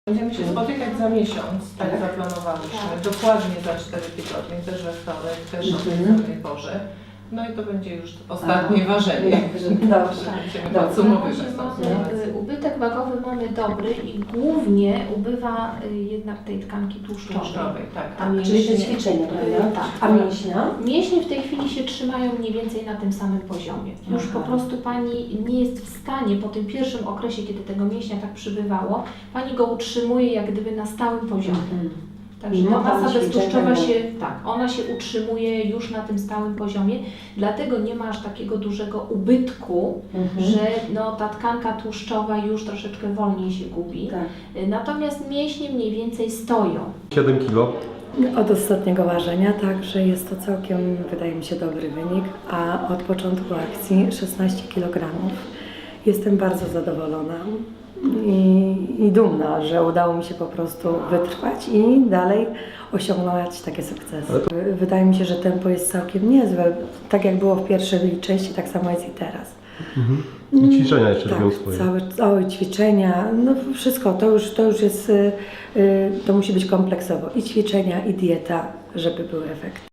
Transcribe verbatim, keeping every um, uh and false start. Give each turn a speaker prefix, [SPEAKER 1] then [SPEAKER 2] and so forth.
[SPEAKER 1] Będziemy się spotykać za miesiąc, tak zaplanowaliśmy, dokładnie za cztery tygodnie, też we wtorek, też o tej samej porze. No i to będzie już ostatnie
[SPEAKER 2] Aha.
[SPEAKER 1] ważenie.
[SPEAKER 2] Dobrze.
[SPEAKER 1] Będziemy podsumowywać tą
[SPEAKER 3] Mamy,
[SPEAKER 1] sytuację.
[SPEAKER 3] y, ubytek wagowy mamy dobry i głównie ubywa y, jednak tej tkanki tłuszczowej.
[SPEAKER 1] Tłuszczowej, tak.
[SPEAKER 2] A mięśnie te ćwiczenia, prawda?
[SPEAKER 3] Tak.
[SPEAKER 2] A mięśnia?
[SPEAKER 3] Mięśnie w tej chwili się trzymają mniej więcej na tym samym poziomie. Już
[SPEAKER 2] Aha.
[SPEAKER 3] po prostu Pani nie jest w stanie po tym pierwszym okresie, kiedy tego mięśnia tak przybywało, Pani go utrzymuje jak gdyby na stałym poziomie.
[SPEAKER 2] Mhm.
[SPEAKER 3] Także
[SPEAKER 2] Mimo
[SPEAKER 3] ta masa
[SPEAKER 2] tam
[SPEAKER 3] beztłuszczowa
[SPEAKER 2] ćwiczeń,
[SPEAKER 3] się, tak, ona się utrzymuje już na tym stałym poziomie, dlatego nie ma aż takiego dużego ubytku,
[SPEAKER 2] Mhm.
[SPEAKER 3] że no, ta tkanka tłuszczowa już troszeczkę wolniej się gubi.
[SPEAKER 2] Tak.
[SPEAKER 3] Natomiast mięśnie mniej więcej stoją.
[SPEAKER 4] siedem kilo.
[SPEAKER 5] Od ostatniego ważenia, także jest to całkiem, wydaje mi się, dobry wynik, a od początku akcji szesnaście kilogramów. Jestem bardzo zadowolona i, i dumna, że udało mi się po prostu wytrwać i dalej osiągnąć takie sukcesy. Wydaje mi się, że tempo jest całkiem niezłe. Tak jak było w pierwszej części, tak samo jest i teraz.
[SPEAKER 4] Mhm. I ćwiczenia jeszcze
[SPEAKER 5] Tak,
[SPEAKER 4] robią swoje.
[SPEAKER 5] całe, całe ćwiczenia, no wszystko, to już, to już jest, y, y, to musi być kompleksowo. I ćwiczenia, i dieta, żeby był efekt.